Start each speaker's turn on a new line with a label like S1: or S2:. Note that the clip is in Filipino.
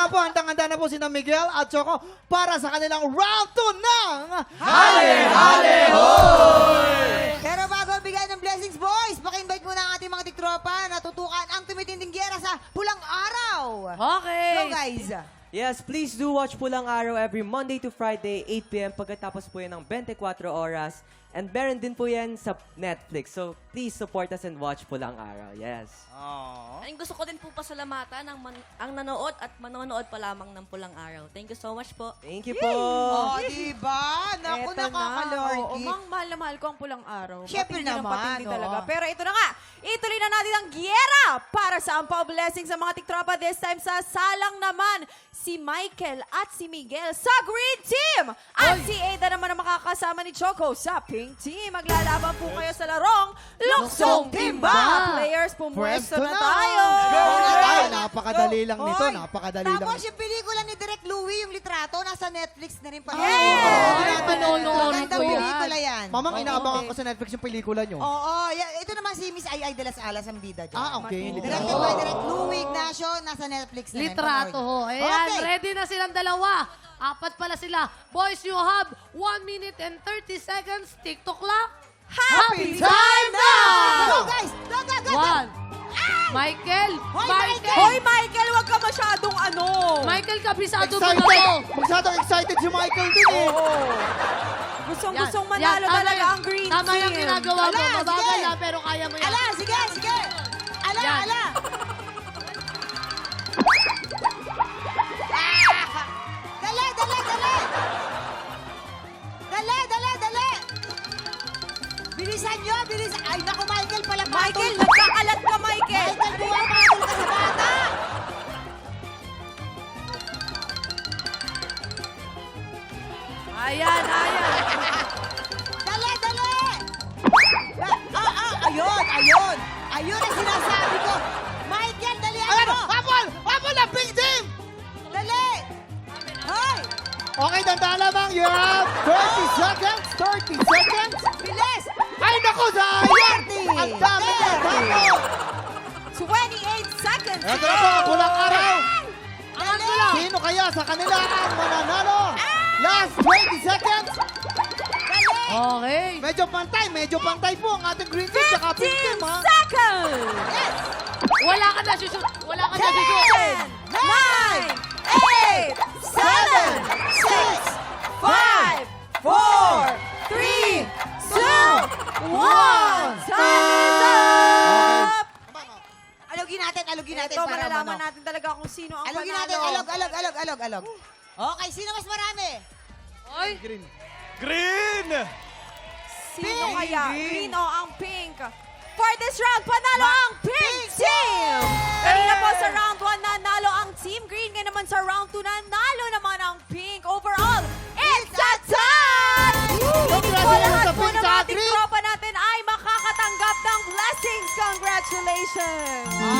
S1: nga po, handang-handa na po si Miguel at Choco para sa kanilang round 2 ng
S2: Hale Hoy!
S3: Pero bago bigay ng blessings, boys, paki-invite muna ang ating mga tiktropa na tutukan ang tumitinding giyera sa Pulang Araw.
S4: Okay.
S3: Go, guys.
S2: Yes, please do watch Pulang Araw every Monday to Friday, 8 p.m. Pagkatapos po yan ng 24 oras. And meron din po yan sa Netflix. So, please support us and watch Pulang Araw. Yes.
S4: Ang gusto ko din po pasalamatan ang nanood at manonood pa lamang ng Pulang Araw. Thank you so much po.
S2: Thank you po.
S3: Oh, diba? Naku,
S5: Eto na. Oo,
S3: nakakalordy.
S5: mang mahal na mahal ko ang Pulang Araw.
S3: Siyempre
S5: Patindi ng
S3: naman,
S5: patindi talaga.
S3: oo.
S5: Pero ito na nga, ituloy na natin ang giyera para sa ampaw blessing sa mga tiktropa. This time sa salang naman, si Michael at si Miguel sa Green Team. At si Ada naman ang makakasama ni Choco sa Pink Team. Maglalaban po kayo sa larong Luksong Timba. Players, pumwesto na tayo.
S1: Ay, napakadali lang nito.
S3: Oy,
S1: Napakadali lang.
S3: Tapos yung pelikula ni Direk Louie, yung litrato, nasa Netflix na rin pala.
S4: Panonood
S3: Magandang
S4: ko yan.
S3: pelikula yan.
S1: Mamang inaabangan ko sa Netflix yung pelikula nyo.
S3: Oo, ito naman si Miss Ay de las Alas ang bida dyan.
S1: Ah, okay.
S3: Directed by Direk Louie Ignacio, nasa Netflix na rin.
S6: Litrato ho.
S3: Panood.
S6: Ayan,
S3: Okay.
S6: ready na silang dalawa. Apat pala sila. Boys, you have 1 minute and 30 seconds. TikTok clock.
S5: Happy
S6: time now!
S3: Go, guys! Go, go, go!
S6: One. Michael.
S3: Hoy,
S6: Michael.
S5: Hoy, Michael, wag ka masyadong ano.
S6: Michael, kabisado mo
S1: Excited!
S6: na mo.
S1: Masyadong excited si Michael din eh.
S5: Gustong manalo talaga ang Green Team.
S6: Tama yung ginagawa mo.
S3: Ala,
S6: Mabagal
S3: sige.
S6: lang, pero kaya mo yan.
S3: Ala, sige, sige! Ala,
S6: Yan.
S3: ala! Dali, dali, dali! Dali, dali, dali! Bilisan nyo, bilisan! Ay, naku, Michael, pala
S5: Michael, nagkakalat ka, Michael.
S3: Michael, pumapatol ka sa bata!
S5: Ayan, ayan.
S3: Dali, dali! Ayun, ayun! Ayun ang sinasabi ko! Michael, dali
S1: Ano?
S3: mo!
S1: Habol! Habol na Pink Team!
S3: Dali! Hoy!
S1: Okay, tandaan lamang. You have 30 seconds. 30 seconds.
S3: Bilis!
S1: Ay, naku, sayang!
S3: 30,
S1: Ang dami na
S3: 30.
S1: tapo!
S5: 28 seconds.
S1: Ito na po, Pulang Araw.
S3: Dali!
S1: Sino kaya sa kanila ang mananalo? Last 20 seconds.
S3: Dali!
S6: Okay.
S1: Medyo pantay po ang ating Green Team tsaka Pink Team,
S5: 15
S1: ha?
S5: seconds.
S3: Yes!
S6: Wala ka na susut. Wala ka na susut.
S5: 10, 9, 8, 7, 6, 5, 4, 3, 2, 1. Time is up!
S3: Alugin natin, alugin natin.
S5: Ito,
S3: para
S5: malalaman
S3: ano.
S5: natin talaga kung sino ang
S3: Alugin
S5: panalo.
S3: natin, alog. Okay, sino mas marami?
S6: Oy.
S5: Sino
S3: Pink.
S5: kaya? Green o ang pink? For this round, panalo ang Pink Team! Kanina po sa round 1, nanalo ang Team Green. Ngayon naman sa round 2, nanalo naman ang Pink. Overall, it's a tie! Hindi po lahat po ng
S1: Sa
S5: ating
S1: Green.
S5: tropa natin ay makakatanggap ng blessings. Congratulations!